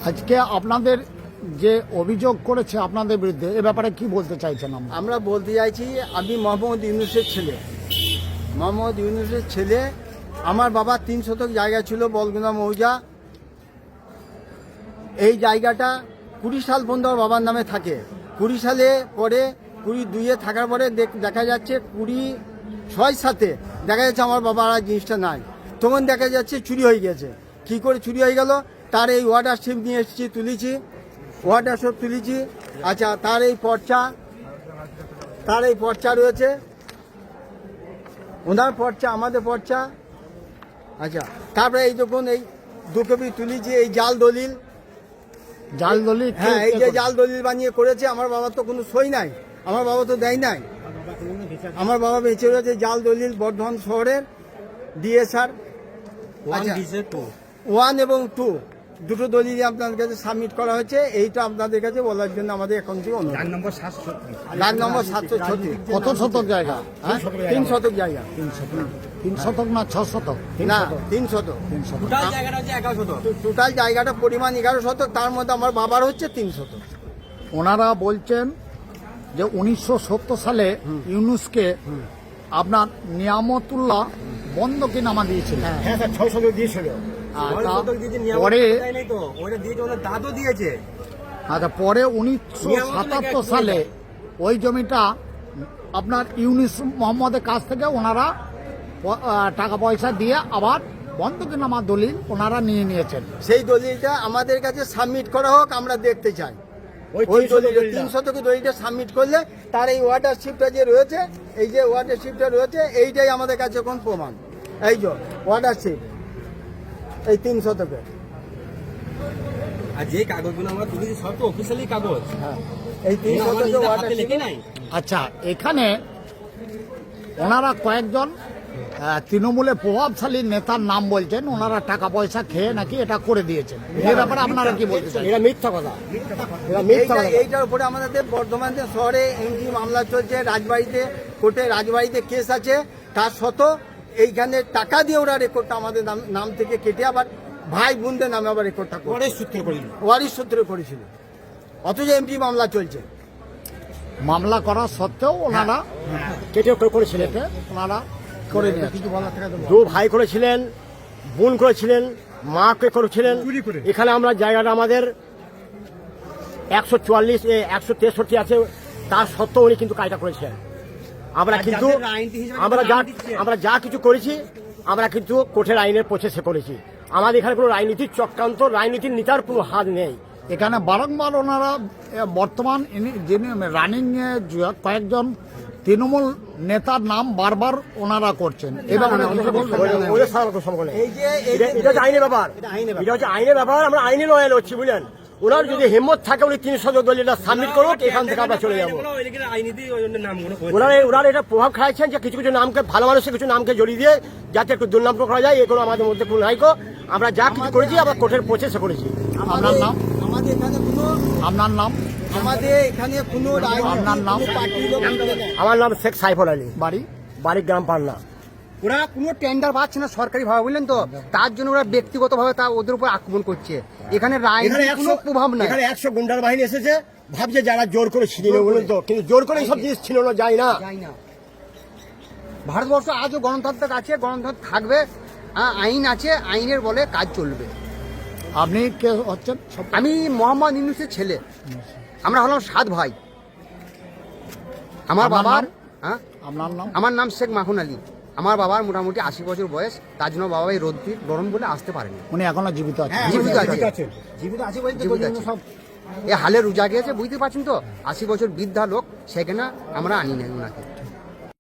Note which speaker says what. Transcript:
Speaker 1: আজকে আপনাদের যে অভিযোগ করেছে আপনাদের বিরুদ্ধে এ ব্যাপারে কি বলতে চাইছেন?
Speaker 2: আমরা বলতে চাইছি, আমি মোহাম্মদ ইউনুসের ছেলে। মোহাম্মদ ইউনুসের ছেলে। আমার বাবার 3 শতক জায়গা ছিল বলগুনা মৌজা। এই জায়গাটা 20 সাল পর্যন্ত আমার বাবার নামে থাকে। 20 সালে পরে 22-এ থাকার পরে দেখা যাচ্ছে 26-7-এ দেখা যাচ্ছে আমার বাবার আর জিনিসটা নাই। তখন দেখা যাচ্ছে চুরি হয়ে গেছে। কী করে চুরি হয়ে গেল? তার এই ওয়াটারশিপ নিয়ে এসেছি, তুলেছি, ওয়াটারশিপ তুলেছি। আচ্ছা, তার এই পর্চা রয়েছে, ওনার পর্চা, আমাদের পর্চা। আচ্ছা, তারপরে এই যখন এই 2 কপি তুলেছি, এই জাল দলিল। হ্যাঁ, এই যে জাল দলিল বানিয়ে করেছে। আমার বাবার তো কোনো সই নাই, আমার বাবা তো দেয় নাই। আমার বাবা বেঁচে রয়েছে জাল দলিল বর্ধমান শহরের ডিএসআর 1 এবং 2 দুটো দলিল আপনাদের কাছে সাবমিট করা হয়েছে। এইটা আপনাদের কাছে বলার জন্য আমাদের এখন থেকে অনুরোধ। লাখ নম্বর 736।
Speaker 1: কত শতক জায়গা?
Speaker 2: 3 শতক জায়গা।
Speaker 1: 3 শতক না 6 শতক?
Speaker 2: না, 3 শতক। টোটাল জায়গাটা পরিমাণ 11 শতক, তার মধ্যে আমার বাবার হচ্ছে 3 শতক।
Speaker 1: ওনারা বলছেন যে 1970 সালে ইউনুসকে আপনার নিয়ামতুল্লাহ বন্ধকিনামা দিয়েছিলেন।
Speaker 2: হ্যাঁ স্যার, 6 শতক দিয়েছিল।
Speaker 1: পরে
Speaker 2: দাদু দিয়েছে।
Speaker 1: আচ্ছা, পরে 1977 সালে ওই জমিটা আপনার ইউনুস মোহাম্মদের কাছ থেকে ওনারা টাকা পয়সা দিয়ে আবার বন্ধকিনামা দলিল ওনারা নিয়ে নিয়েছেন।
Speaker 2: সেই দলিলটা আমাদের কাছে সাবমিট করা হোক, আমরা দেখতে চাই। ওই দলিলটা 3 শতকের দলিলটা সাবমিট করলে তার এই ওয়াটারশিপটা যে রয়েছে, এই যে ওয়াটারশিপটা রয়েছে, এইটাই আমাদের কাছে কোন প্রমাণ। এই যে ওয়াটারশিপ, এই 3 শতকের।
Speaker 3: আর যে কাগজগুলো আমরা তুলেছি সব তো অফিসিয়ালি কাগজ।
Speaker 2: হ্যাঁ, এই 3 শতকের ওয়াটারশিপ
Speaker 3: নাই।
Speaker 1: আচ্ছা, এখানে ওনারা কয়েকজন তৃণমূলের প্রভাবশালী নেতার নাম বলছেন, ওনারা টাকা পয়সা খেয়ে নাকি এটা করে দিয়েছেন। এই ব্যাপারে আপনারা কি বলতে চান?
Speaker 2: এটা মিথ্যা কথা। এইটার উপরে আমাদের বর্ধমান শহরে এমপি মামলা চলছে, রাজবাড়িতে কোর্টে রাজবাড়িতে কেস আছে। তার সত্ত্বেও এইখানে টাকা দিয়ে ওরা রেকর্ডটা আমাদের নাম থেকে কেটে আবার ভাই বোনদের নামে আবার রেকর্ডটা ওয়ারিশ সূত্রে করেছিল, অথচ এমপি মামলা চলছে।
Speaker 1: মামলা করা সত্ত্বেও ওনারা
Speaker 2: কেটে করেছিলেন।
Speaker 1: ওনারা করে নিয়েছে।
Speaker 2: 2 ভাই করেছিলেন, বোন করেছিলেন, মাকে করেছিলেন। এখানে আমরা জায়গাটা আমাদের 163 আছে, তার সত্ত্বেও উনি কিন্তু কাজটা করেছেন। আমরা কিন্তু আমরা যা কিছু করেছি, আমরা কিন্তু কোর্টের আইনের প্রচেষ্টা করেছি। আমাদের এখানে কোনো রাজনীতির চক্রান্ত, রাজনীতির নেতার কোনো হাত নেই।
Speaker 1: এখানে বারংবার ওনারা বর্তমান যিনি রানিং কয়েকজন তৃণমূল নেতার নাম বারবার ওনারা করছেন।
Speaker 2: এটা আইনের ব্যাপার, এটা হচ্ছে আইনের ব্যাপার। আমরা আইনে লয়াল হচ্ছি, বুঝলেন। ওনার যদি হিম্মত থাকে উনি 3 শতক দলিলটা সাবমিট করুক, এখান থেকে আমরা চলে যাবো। ওনারা এটা প্রভাব খাইছেন যে কিছু কিছু নামকে, ভালো মানুষের কিছু নামকে জড়িয়ে দিয়ে যাতে একটু দুর্নাম করা যায়, এগুলো আমাদের মধ্যে কোনো নাইকো। আমরা যা কিছু করেছি আমরা কোর্টের প্রচেষ্টা করেছি।
Speaker 1: আপনার নাম?
Speaker 2: আমাদের এখানে কোনো
Speaker 1: আপনার নাম?
Speaker 2: আমাদের এখানে কোনো
Speaker 1: আপনার নাম?
Speaker 2: আমার নাম শেখ সাইফুল আলী, বাড়ি গ্রাম পান্না।
Speaker 4: ওরা কোনো টেন্ডার পাচ্ছে না সরকারি ভাবে, বুঝলেন তো, তার জন্য ওরা ব্যক্তিগত ভাবে ওদের উপর আক্রমণ করছে। এখানে কোনো প্রভাব নাই।
Speaker 2: এখানে 100 গুন্ডার বাহিনী এসেছে, ভাবছে যারা জোর করে ছিনিয়ে নেবে, বলুন তো, কিন্তু জোর করে এইসব জিনিস ছিনানো যায় না।
Speaker 4: ভারতবর্ষ আজও গণতন্ত্র আছে, গণতন্ত্র থাকবে, আইন আছে, আইনের বলে কাজ চলবে।
Speaker 1: আপনি কে হচ্ছেন?
Speaker 4: আমি মোহাম্মদ ইউনুসের ছেলে। আমরা হলাম 7 ভাই। আমার বাবার
Speaker 1: আপনার নাম?
Speaker 4: আমার নাম শেখ মাহুন আলী। আমার বাবার মোটামুটি 80 বছর বয়স, তার জন্য বাবা এই রোদ্দুর গরম বলে আসতে পারেনি।
Speaker 1: উনি এখনো জীবিত আছে?
Speaker 4: জীবিত আছে এ হালে রোজা গিয়েছে, বুঝতে পারছেন তো। 80 বছর বৃদ্ধা লোক, সেখানে আমরা আনি নাই ওনাকে।